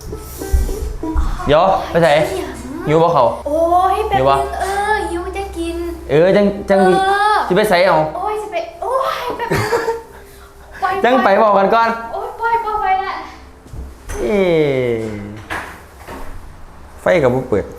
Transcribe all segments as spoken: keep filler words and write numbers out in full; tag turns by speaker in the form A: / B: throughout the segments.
A: เดี๋ยวไปใส่หิวบ่เขา
B: โอ้ยแบบนึงเออหิวจะกิน
A: เออจังจังจะไปใส่เอา
B: โอ้ยจะไปโอ้ยแบบ
A: จังไปบอกกันก่อน
B: โอ้ยปล่อยปล่อยไปละ
A: เอ๊ไฟกับบุกเปิด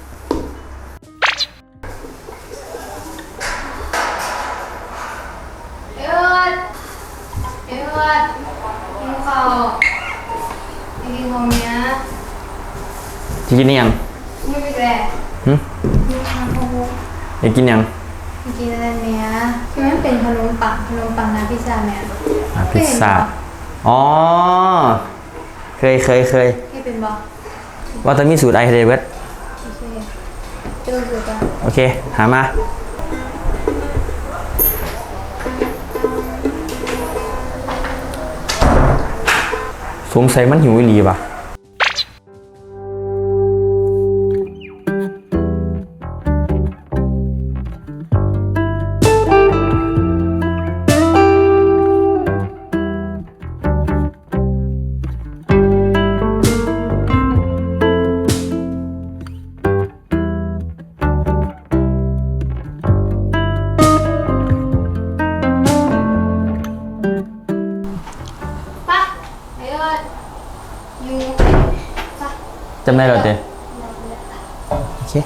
B: เอิร์ดเอิร์ดกินข้าวกินของเนี้ย
A: จะกินยัง
B: ไม่ไปแกล้ฮึกินข้าว
A: อยากกินยัง
B: กินอะไรเนี้ยคือมันเป็นขนมปังขนมปังนะพิซซ่าเนี่ย
A: พิซซ่าอ๋อเคยเคยเคย
B: ให้เป็นบอ
A: ว่าต้องมีสูตรไอเดเวส
B: โอเคเจอสูตรอ่ะ
A: โอเคหามาสงสัยมันหิวอีหลีป่ะจำได้หรอเจ๊โอเค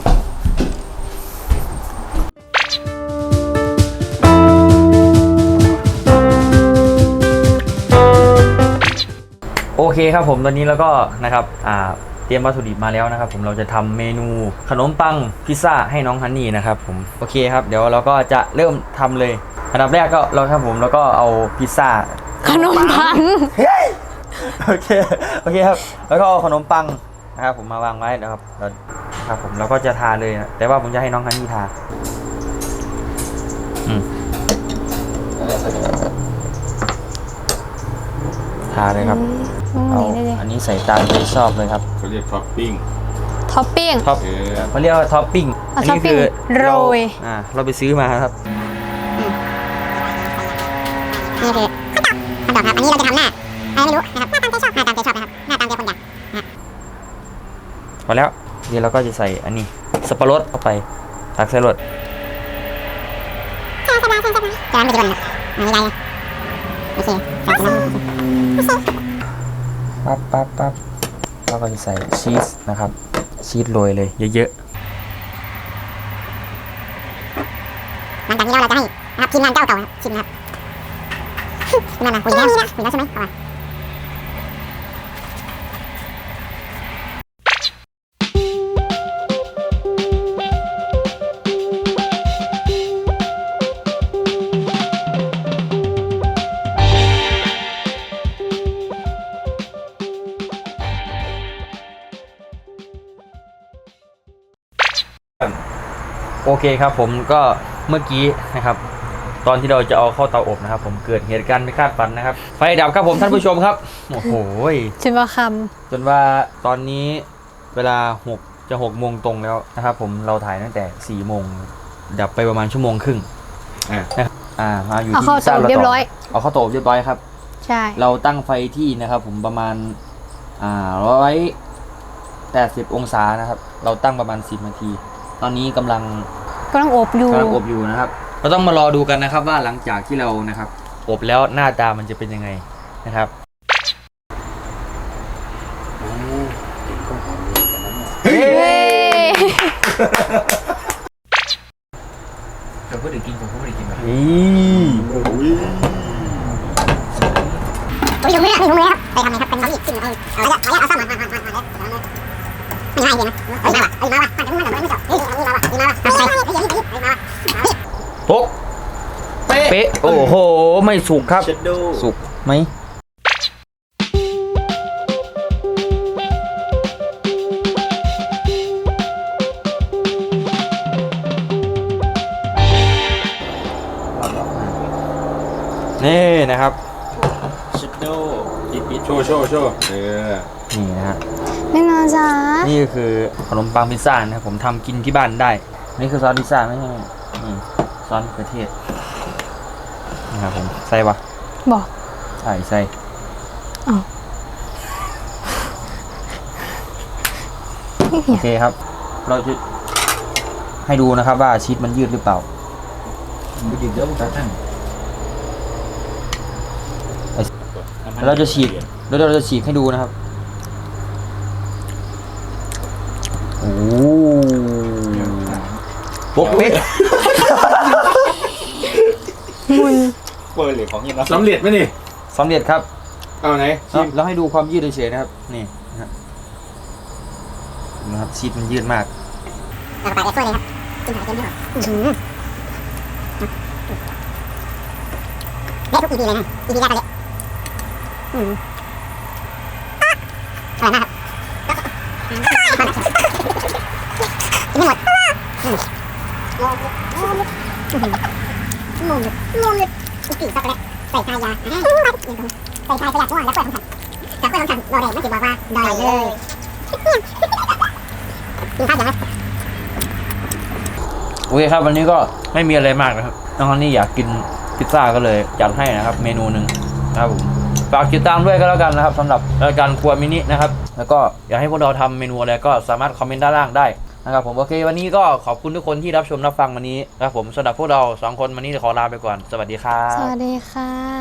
A: โอเคครับผมตอนนี้แล้วก็นะครับอ่าเตรียมวัตถุดิบมาแล้วนะครับผมเราจะทำเมนูขนมปังพิซซ่าให้น้องฮันนี่นะครับผมโอเคครับเดี๋ยวเราก็จะเริ่มทำเลยอันดับแรกก็เราครับผมแล้วก็เอาพิซซ่า
C: ขนมปัง
A: โอเคโอเคครับแล้วก็เอาขนมปังนะครับผมมาวางไว้นะครับแล้วครับผมเราก็จะทาเลยนะแต่ว่าผมจะให้น้องฮันนี่ทาอืมทาเลยครับเอาอันนี้ใส่ตามที่ชอบเลยครับ
D: เขาเรียกท็อปปิ้ง
C: ท็อปปิ้ง
A: ท็อปเขาเรียกว่าท็อปปิ้ง
C: อันนี้คือโรย
A: อ่าเราไปซื้อมาครับ
E: นี่คือคำตอบครับอันนี้เราจะทำหน้าอะไรไม่รู้นะครับหน้าตามใจชอบหน้าตามใจชอบนะครับหน้าตามใจคนอยาก
A: พอแล้วเดี๋ยวเราก็จะใส่อันนี้สับปะรดเข้าไปตักใส่รส
E: ใช่ใช่ใช่ใช่ใช่จะมันจะโดนอันนี้ได้เลยโอเคใส่ไปแล้ว
A: ปั๊บปั๊บปั๊บเราก็จะใส่ชีสนะครับชีสโรยเลยเยอะ
E: ๆหลังจากนี้เราจะให้นะครับทีมงานเจ้าเก่าชิมนะครับทีมงานนะคุยแล้วคุยแล้วใช่ไหมเอา
A: โอเคครับผมก็เมื่อกี้นะครับตอนที่เราจะเอาเข้าเตาอบนะครับผมเกิดเหตุการณ์ไม่คาดฝันนะครับไฟดับครับผมท่านผู้ชมครับโอ้โห
C: จนว่าค
A: ำจนว่าตอนนี้เวลาหกจะหกโมงตรงแล้วนะครับผมเราถ่ายตั้งแต่สี่โมงดับไปประมาณชั่วโมงครึ่งอ่าอ่ามาอยู่ที่
C: ซ่าเรียบร้อย
A: เอาเข้าเตาอบเรียบร้อยครับ
C: ใช่
A: เราตั้งไฟที่นะครับผมประมาณอ่าร้อยแปดสิบองศานะครับเราตั้งประมาณสิบนาทีตอนนี้กำลัง
C: กำลังอบอยู่
A: กำลังอบอยู่นะครับเราต้องมารอดูกันนะครับว่าหลังจากที่เรานะครับอบแล้วหน้าตามันจะเป็นยังไงนะครับเฮ้ยเราพูดถึงกินผมพูดถึงกินแบบนี้
E: ผมอยู่มือนี่ผมมือครับไปทำไงครับเป็นน้ำอีกกินเอาเอาเอาเอาซ่อมมันมันมันมันไม่ง่ายเลยนะเฮ้ยมาว่ะเฮ้ยมาว่ะมันมันมันไม่จบเฮ้ยอันนี้มาว่ะนี่มาว่ะใส่เฮ้ยเฮ้ยเฮ้ยเฮ้ยมาว่ะ
A: โป๊ะเป๊ะโอ้โหไม่สุกครับสุกไหมนี่นะครับ
D: ชิดโดปิดปิดโชว์โชว์โชว์เออ
A: นี่นะฮะ
C: ไม่นาจ้า
A: นี่คือขนมปังพิซซ่านะครับผมทำกินที่บ้านได้นี่คือซอสพิซซ่าไม่ใช่นี่ซอสมะเขือเทศนะครับผมใส่ปะ
C: บอก
A: ใส่ใส่
C: อ๋อ
A: โอเคครับ เราจะให้ดูนะครับว่าชีสมันยืดหรือเปล่า
D: ดูดิเดี๋ยวมันจะตั้ง
A: แล้วเราจะฉีกแล้วเราจะฉีกให้ดูนะครับโอ้โป๊กเป๊ก
C: มุน
D: เปิดเหล็กของเงี้ยสำเร็จไหมนี่
A: สำเร็จครับ
D: เอาไหน
A: แล้วแล้วให้ดูความยืดเฉยๆนะครับนี่นะครับนะครับชีสมันยืดมาก
E: เราไปแอร์ช่วยเลยครับกินหอยเค็มไม่หรออือหือเละทุก อี พี เลยนะ อี พี แรกก็เละอืมอร่อยมากครับกินไม่หมดอืมงงงงงงงงงอีกกี่ช็อกโกแลตใส่ชายาใส่ชายประหยัดมั่วแล้วเปิดคำสั่งแต่เปิดคำสั่งโดเรไม่ติดบอกว่าดอยเลยกินข้าวยังไง
A: โอเคครับวันนี้ก็ไม่มีอะไรมากนะครับน้องฮันนี่อยากกินพิซซ่าก็เลยจัดให้นะครับเมนูหนึ่งนะครับผมฝากติดตามด้วยก็แล้วกันนะครับสำหรับรายการครัวมินินะครับแล้วก็อยากให้พวกเราทำเมนูอะไรก็สามารถคอมเมนต์ด้านล่างได้นะครับผมโอเควันนี้ก็ขอบคุณทุกคนที่รับชมรับฟังวันนี้นะครับผมสำหรับพวกเราสองคนวันนี้ขอลาไปก่อนสวัสดีครับ
C: สวัสดีค่ะ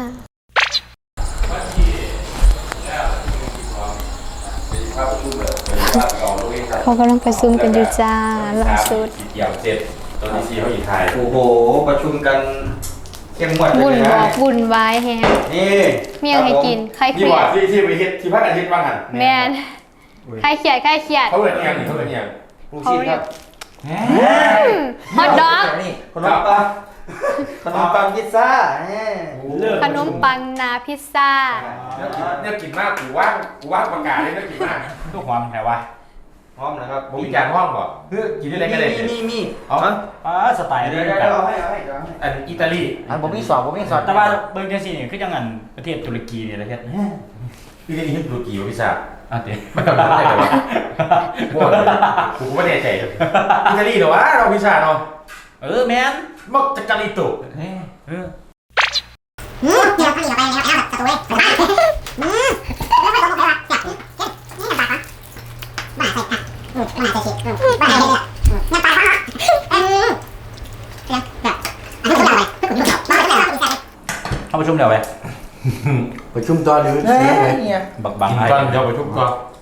C: เขากำลังประชุมกันอยู่จ้าล่าสุด
D: เกี่ยวเสร็จตอนนี้ซีเขาอีกทาย
A: โอ้โหประชุมกันเข้มงวดเล
C: บุ่น
A: ย
C: บ
A: นะ
C: อกบุ่นวายแฮง
A: นี่
C: เมียงให้กินใครเค
D: ที่
C: รีย
D: ว่า
C: ด
D: ที่ที่ไปเฮ็ดที่พักอาทิตย์บ้างหัน
C: แมนใครเครียดใครเครียด
D: เขาเปิดยังเขาเปิดยัง
A: ลูกชิ้นครับ
C: ฮอตดอก
A: นี่ขนมปังขนมปังพิซซ่าเนี่ย
C: ขนมปังนาพิซซ่า
D: เนี่ยกินมากกูว่างกูว่างประกาศเลยเนี่ยกินมากตู้ความแถววะ
A: พร้อมนะครับ
D: มีจานห้องบ่เพื่อกินได้ก็ได้
A: มีมีมี
D: อ๋ออ่าสไตล์
A: เดี๋
D: นี้
A: ยว
D: แบ
A: เดี๋ยว
D: บ
A: เอาให้เอาให้เอาให้
D: อันอิตาลี
A: อันผมมีสอบผมมีสอบ
F: แต่ว่าเบิ่งจังซี่นี่คือจังอันประเทศตุรกีนี่แหละเฮ็ด
D: อิตาลีที่ตุรกีวะพี่ชา
F: อ่ะเด้
D: มันทำได้เหรอวะมั่วเลยกูก็ไม่แน่ใจอิตาลีเหรอวะเราพี่ชาเนาะ
F: เออแม่น
D: มักจะกาลิโต
F: เออเออ
E: อืมเดี๋ยวข้าวเหนียวไปแล้วแล้วแบบสตูเว้ยอืมแล้วไม่ต้องลงไปว่ะจับนี่นี่น้ำปลาปะบ้าใส่ค่ะอืมบ้าใส่ชีสอืมบ้าใส่เนี่ยน้ำปลาปะอืมเดี๋ยวแบบอันนี้คุณเอาไปคุณเอาบ้าไม่ได้หรอกคุณใส่
F: เข้าประชุมเดี๋ยวไป
G: ประชุมตอนหรือ
A: เฮ้
G: เสียงเลย
A: ยเนี่ย
F: บักบัง
D: กิน
F: ไอ้
D: ก่อนเดี๋ยวไปทุบก่อน